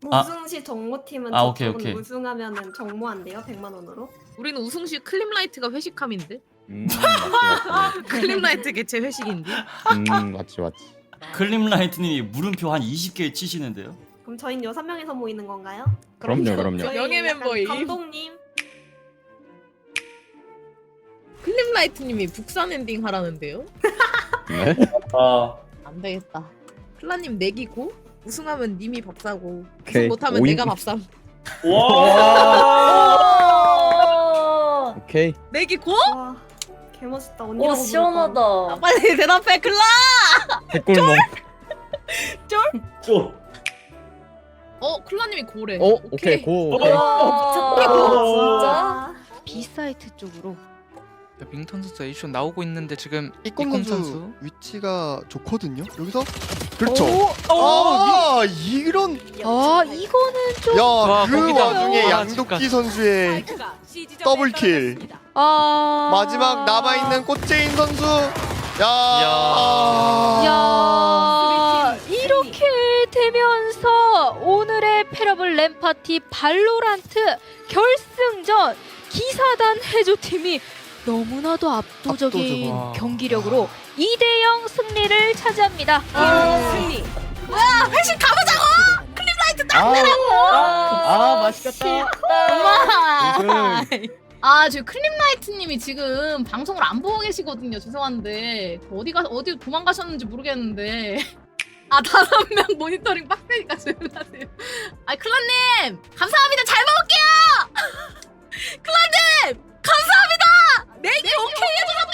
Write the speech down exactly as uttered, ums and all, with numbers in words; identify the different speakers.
Speaker 1: 뭐
Speaker 2: 아.
Speaker 1: 우승시 정모팀은
Speaker 2: 아, 오케이,
Speaker 1: 저쪽은
Speaker 2: 오케이.
Speaker 1: 우승하면은 정모한대요. 백만 원으로.
Speaker 3: 우리는 우승시 클립라이트가 회식함인데?
Speaker 4: 음 맞지 맞지.
Speaker 3: 클립라이트 개최 회식인데?
Speaker 4: 음 맞지 맞지.
Speaker 2: 클립라이트님이 물음표 한 이십 개 치시는데요?
Speaker 1: 그럼 저희는 여섯 명이서 모이는 건가요?
Speaker 4: 그럼요 그럼요.
Speaker 1: 저희
Speaker 3: 명예
Speaker 1: 약간
Speaker 3: 멤버임.
Speaker 1: 감독님.
Speaker 3: 클립라이트님이 북산 엔딩 하라는데요?
Speaker 4: 네?
Speaker 2: 아
Speaker 3: 안 되겠다. 클라님 내기고 우승하면 님이 밥 사고
Speaker 4: 오케이.
Speaker 3: 우승 못하면
Speaker 4: 오인-
Speaker 3: 내가 밥 삼.
Speaker 5: 와.
Speaker 4: 오케이.
Speaker 3: 내기고?
Speaker 1: 와, 개멋있다. 언니라고
Speaker 5: 오 시원하다.
Speaker 3: 아, 빨리 대답해 클라.
Speaker 4: 백골몽.
Speaker 2: 쪼.
Speaker 3: 어 클라님이 고래.
Speaker 4: 어 오케이 고. 오케이.
Speaker 5: 와 미쳤다.
Speaker 1: 부르니까.
Speaker 5: 진짜.
Speaker 6: B 사이트 쪽으로.
Speaker 7: 밍턴 선수 에이쇼 나오고 있는데 지금
Speaker 8: 이꼼
Speaker 7: 이꼼
Speaker 8: 선수
Speaker 7: 선수.
Speaker 8: 위치가 좋거든요. 여기서 그렇죠.
Speaker 7: 오!
Speaker 8: 아 이런
Speaker 6: 아 이거는 좀.
Speaker 7: 와,
Speaker 8: 야그
Speaker 7: 거기다.
Speaker 8: 와중에
Speaker 7: 와,
Speaker 8: 양도끼
Speaker 7: 진짜.
Speaker 8: 선수의 더블킬.
Speaker 6: 아.
Speaker 8: 마지막 남아 있는 꽃제인 선수. 야.
Speaker 6: 야 이렇게 되면서 오늘의 패러블 램파티 발로란트 결승전 기사단 해조팀이 너무나도 압도적인
Speaker 8: 압도적.
Speaker 7: 와.
Speaker 6: 경기력으로 이 대 영 승리를 차지합니다.
Speaker 5: 승리.
Speaker 3: 회식 가보자고.
Speaker 4: 아 맛있겠다.
Speaker 3: 엄마.
Speaker 4: 우승.
Speaker 3: 아, 저 클립라이트님이 지금 방송을 안 보고 계시거든요. 죄송한데 어디가 어디 도망가셨는지 모르겠는데. 아 다섯 명 모니터링 빡세니까 조용하세요. 아 클라님 감사합니다. 잘 먹을게요. 클라님 감사합니다. 내기 오케이 해주셔서